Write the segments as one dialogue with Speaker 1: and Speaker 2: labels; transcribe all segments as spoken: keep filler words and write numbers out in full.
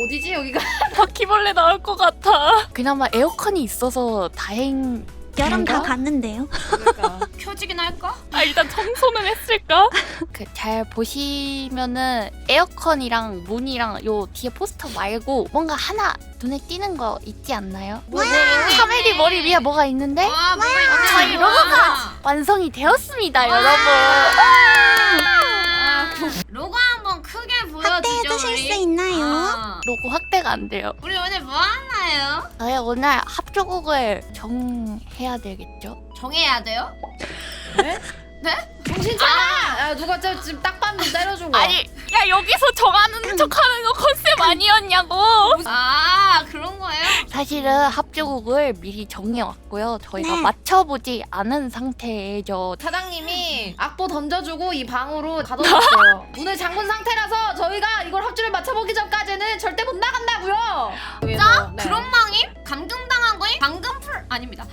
Speaker 1: 어디지 여기가?
Speaker 2: 바퀴벌레 나올 것 같아. 그나마 에어컨이 있어서 다행.
Speaker 3: 여름 다 갔는데요.
Speaker 1: 그러니까
Speaker 4: 켜지긴 할까?
Speaker 2: 아 일단 청소는 했을까? 그 잘 보시면은 에어컨이랑 문이랑 요 뒤에 포스터 말고 뭔가 하나 눈에 띄는 거 있지 않나요?
Speaker 1: 뭐,
Speaker 2: 카멜이 머리 위에 뭐가 있는데
Speaker 4: 와 뭐가 있지?
Speaker 2: 저희 로고가 완성이 되었습니다, 여러분.
Speaker 4: 로고 한번 크게 보여주죠.
Speaker 3: 확대해 주실
Speaker 4: 우리.
Speaker 3: 수 있나요?
Speaker 4: 아,
Speaker 2: 로고 확대가 안 돼요.
Speaker 4: 우리 오늘 뭐 하나요?
Speaker 2: 저희 오늘 합조곡을 정해야 되겠죠?
Speaker 4: 정해야 돼요?
Speaker 1: 네?
Speaker 4: 네?
Speaker 1: 정신 차려! 야 누가 저 지금 딱밤 때려준 거?
Speaker 2: 아니, 야 여기서 정하는 척하는 거 컨셉 아니었냐고.
Speaker 4: 아 그런 거예요?
Speaker 2: 사실은 합조곡을 미리 정해왔고요. 저희가
Speaker 3: 네.
Speaker 2: 맞춰보지 않은 상태죠.
Speaker 1: 사장님이 악보 던져주고 이 방으로 가둬놨어요. 문을 잠근 상태라서 저희가 이걸 합주를 맞춰보기 전까지는 절대 못 나간다고요.
Speaker 4: 자?
Speaker 1: 네.
Speaker 4: 그런 망임? 감금당한 거임? 방금 풀 아닙니다.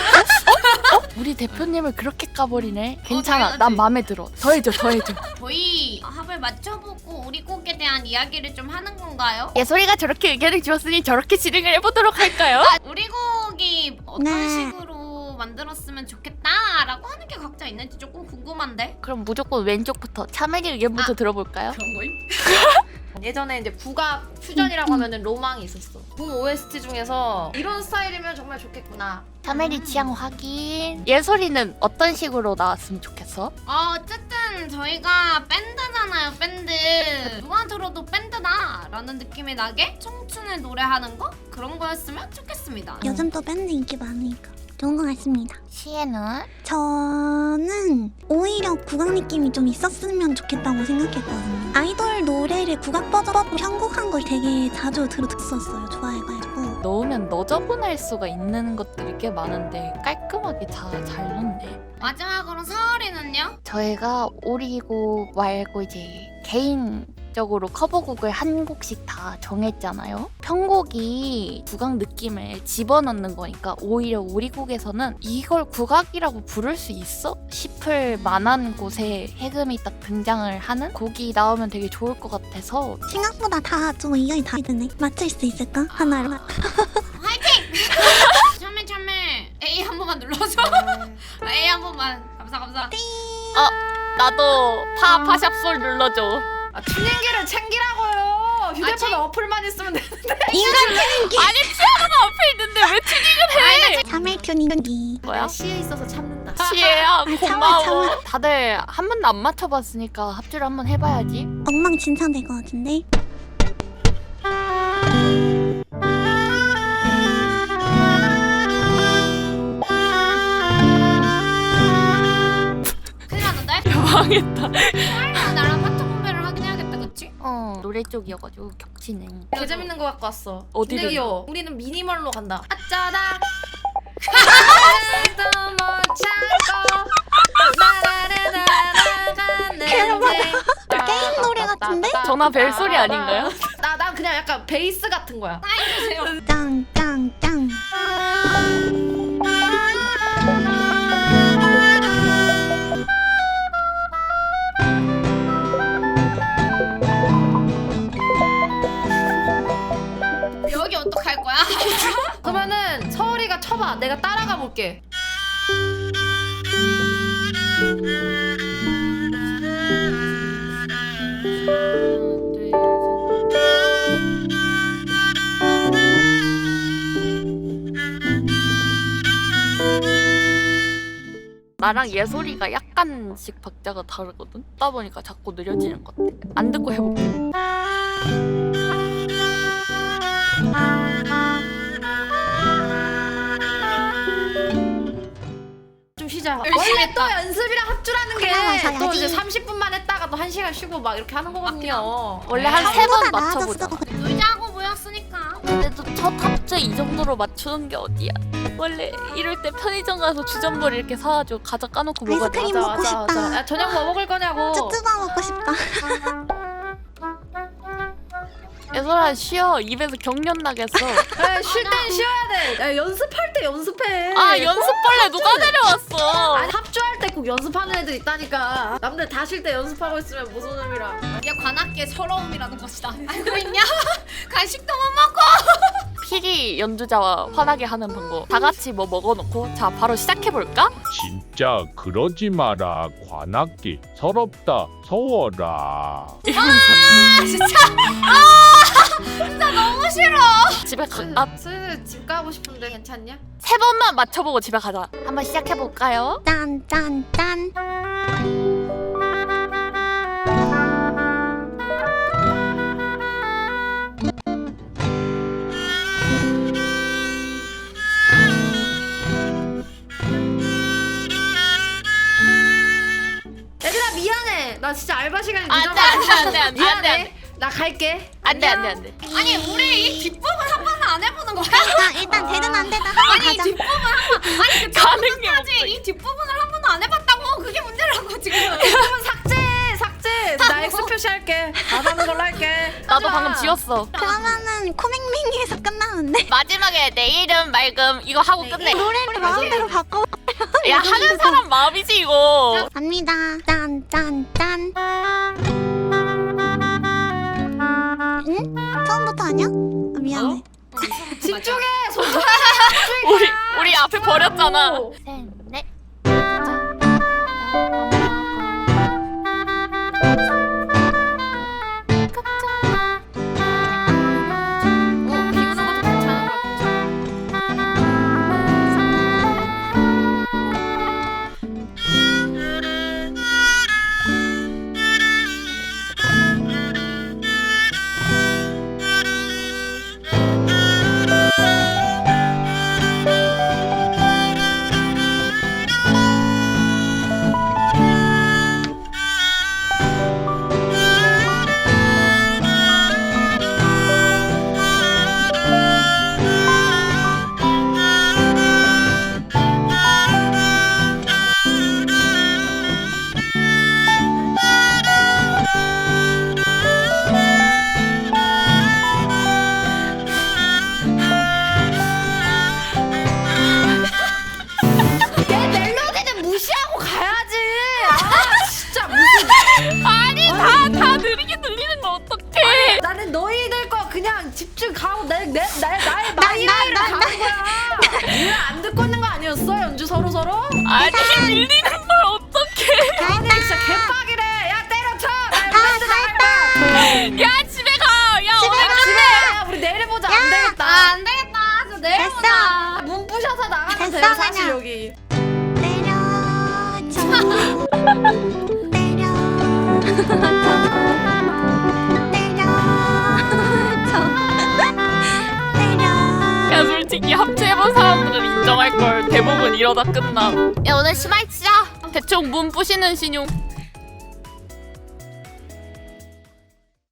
Speaker 2: 우리 대표님을 그렇게 까버리네. 괜찮아,
Speaker 4: 당연하지.
Speaker 2: 난 마음에 들어. 더해줘, 더해줘.
Speaker 4: 저희 합을 맞춰보고 우리 곡에 대한 이야기를 좀 하는 건가요?
Speaker 2: 예솔이가 저렇게 의견을 주었으니 저렇게 진행을 해보도록 할까요?
Speaker 4: 아, 우리 곡이 어떤
Speaker 3: 네.
Speaker 4: 식으로 만들었으면 좋겠다라고 하는 게 각자 있는지 조금 궁금한데?
Speaker 2: 그럼 무조건 왼쪽부터 차멜이 의견부터
Speaker 4: 아.
Speaker 2: 들어볼까요?
Speaker 4: 그런 거임?
Speaker 1: 예전에 이제 국악 퓨전이라고 하면은 로망이 있었어. 군 오에스티 중에서 이런 스타일이면 정말 좋겠구나.
Speaker 2: 차멜이 취향 확인. 예솔이는 어떤 식으로 나왔으면 좋겠어?
Speaker 4: 어, 어쨌든 저희가 밴드잖아요, 밴드. 누가 들어도 밴드다 라는 느낌이 나게 청춘을 노래하는 거? 그런 거였으면 좋겠습니다.
Speaker 3: 요즘 또 밴드 인기 많으니까 좋은 것 같습니다.
Speaker 2: 시에는?
Speaker 3: 저는 오히려 국악 느낌이 좀 있었으면 좋겠다고 생각했거든요. 아이돌 노래를 국악 버전으로 편곡한 걸 되게 자주 들었었어요. 좋아해가지고.
Speaker 2: 넣으면 너저분할 수가 있는 것들이 꽤 많은데 깔끔하게 다 잘 넣네.
Speaker 4: 마지막으로 서울이는요?
Speaker 2: 저희가 오리곡 말고 이제 개인적으로 커버곡을 한 곡씩 다 정했잖아요. 편곡이 국악 느낌을 집어넣는 거니까 오히려 오리곡에서는 이걸 국악이라고 부를 수 있어? 싶을 만한 곳에 해금이 딱 등장을 하는 곡이 나오면 되게 좋을 것 같아서
Speaker 3: 생각보다 다 좀 의견이 다르네. 맞출 수 있을까? 하나로.
Speaker 4: 화이팅! 참매 참매 A 한 번만 눌러줘. A 한 번만. 감사 감사.
Speaker 2: 나도 파 파샵솔 눌러줘.
Speaker 1: 아 튜닝기를 챙기라고요. 휴대폰
Speaker 4: 아,
Speaker 1: 어플만 있으면 되는데.
Speaker 3: 인간 튜닝기!
Speaker 2: 아니 피아노가 앞에 있는데 왜 튜닝을 해?
Speaker 3: 삼 일 튜닝기.
Speaker 2: 뭐야?
Speaker 1: 시에 있어서 참는다.
Speaker 2: 시에야
Speaker 3: 참아,
Speaker 2: 고마워.
Speaker 3: 참아.
Speaker 2: 다들 한 번도 안 맞춰봤으니까 합주를 한번 해봐야지.
Speaker 3: 엉망진창 될 것 같은데?
Speaker 4: 큰일 났는데?
Speaker 2: 망했다.
Speaker 4: 서울이랑 나랑 파트 분배를 하긴 해야겠다, 그치?
Speaker 2: 어 노래 쪽이어가지고 겹치네.
Speaker 1: 개 재밌는 거 갖고 왔어.
Speaker 2: 어디를?
Speaker 1: 튜닝기요. 우리는 미니멀로 간다. 어쩌다.
Speaker 3: 게임 노래 같은데?
Speaker 2: 전화 벨 소리 아닌가요?
Speaker 1: 나, 난 그냥 약간 베이스 같은 거야.
Speaker 4: 해주세요.
Speaker 3: 짱, 짱, 짱.
Speaker 4: 여기 어떡할 거야?
Speaker 1: 그러면은 서울이가 쳐봐. 내가 따라가 볼게.
Speaker 2: 나랑 예솔이가 약간씩 박자가 다르거든? 듣다 보니까 자꾸 느려지는 것 같아. 안 듣고 해볼게.
Speaker 1: 좀 쉬자.
Speaker 4: 열심히
Speaker 1: 원래
Speaker 4: 했다.
Speaker 1: 또 연습이랑 합주라는 게
Speaker 3: 그래,
Speaker 1: 또 이제
Speaker 3: 맞아야지.
Speaker 1: 삼십 분만 했다가 또 한 시간 쉬고 막 이렇게 하는 거거든요.
Speaker 2: 원래 한 세 번
Speaker 3: 처음보다
Speaker 2: 맞춰보자.
Speaker 3: 나아졌어.
Speaker 4: 놀자고 모였으니까.
Speaker 2: 근데도 첫 합주 이 정도로 맞추는 게 어디야? 원래 이럴 때 편의점 가서 주전부리 이렇게 사가지고 과자 까놓고 먹어야 돼.
Speaker 3: 아이스크림 먹고 싶다.
Speaker 1: 야, 저녁 뭐 먹을 거냐고.
Speaker 3: 쭈쭈바 먹고 싶다.
Speaker 2: 얘들아 쉬어. 입에서 경련 나겠어.
Speaker 1: 쉴 땐 쉬어야 돼. 야, 연습할 때 연습해.
Speaker 2: 아 연습벌레 누가 데려왔어?
Speaker 1: 아니, 합주할 때 꼭 연습하는 애들 있다니까. 남들 다 쉴 때 연습하고 있으면 무슨 의미라.
Speaker 4: 이게 관악기의 서러움이라는 것이다. 알고 있냐? 간식도 못 먹고.
Speaker 2: 피리 연주자와 화나게 하는 방법. 다 같이 뭐 먹어놓고 자 바로 시작해볼까?
Speaker 5: 진짜 그러지 마라. 관악기 서럽다 서워라.
Speaker 4: 아 진짜 아 진짜 너무 싫어.
Speaker 2: 집에 갈까?
Speaker 1: 슬슬 집 가고 싶은데 괜찮냐?
Speaker 2: 세 번만 맞춰보고 집에 가자. 한번 시작해볼까요?
Speaker 3: 짠, 짠, 짠.
Speaker 1: 얘들아 미안해. 나 진짜 알바 시간이
Speaker 2: 안돼
Speaker 1: 늦어가지고.
Speaker 2: 안돼 안돼 안돼
Speaker 1: 미안해.
Speaker 2: 안돼
Speaker 1: 나 갈게.
Speaker 2: 안돼 안돼 안돼.
Speaker 4: 아니 우리 이 뒷부분 한 번은 안 해보는 거야?
Speaker 3: 자, 일단 되든 안 되든 한번
Speaker 4: 아니 이
Speaker 3: 가자.
Speaker 4: 뒷부분 한 번. 아니 그
Speaker 2: 가는 게
Speaker 4: 끝까지 이 뒷부분을 한 번도 안 해봤다고. 그게 문제라고 지금.
Speaker 1: 그러면 삭제 삭제. 나 X 표시할게. 안 하는 걸로 할게.
Speaker 2: 나도
Speaker 1: 하자.
Speaker 2: 방금 지웠어.
Speaker 3: 그러면은 코맹맹이에서 끝나는데?
Speaker 2: 마지막에 내일은 맑음 이거 하고 끝내.
Speaker 3: 노래를 마음대로 바꿔.
Speaker 2: 야 하는 사람 마음이지 이거.
Speaker 3: 갑니다. 짠, 짠, 짠. 응? 처음부터 아니야? 아, 미안해.
Speaker 1: 집중해. 손톱.
Speaker 2: 우리 우리 앞에 버렸잖아. 셋 넷.
Speaker 1: 어, 비우는 것도 괜찮은 것 같아. 얘 멜로디는 무시하고 가야지. 아 진짜 무슨.
Speaker 2: 아니 다 다 느리게 들리는 거 어떡해?
Speaker 1: 나는 너희들 거 그냥 집중 가고 내, 내, 나, 나의 마이웨이를 가는 거야. 우리가 안 듣고 있는 거 아니었어? 연주 서로 서로?
Speaker 2: 아니 밀리는 걸 어떡해?
Speaker 1: 아니 진짜 개빡이래. 야 때려쳐. 나 밴드 나갈 거야.
Speaker 2: 야 집에 가. 야 오늘
Speaker 3: 가.
Speaker 1: 집에 야 우리 내일 보자. 안 되겠다.
Speaker 4: 아, 안 되겠다. 저 내일
Speaker 3: 됐어.
Speaker 4: 보자.
Speaker 1: 문 부셔서 나가면
Speaker 3: 됐어,
Speaker 1: 돼요 사실
Speaker 3: 그냥.
Speaker 1: 여기.
Speaker 3: 때려쳐. 때려쳐. 때려.
Speaker 2: 야 솔직히 합체해본 사람들은 인정할 걸. 대부분 이러다 끝나. 야 오늘 심할치자. 대충 문 부시는 신용.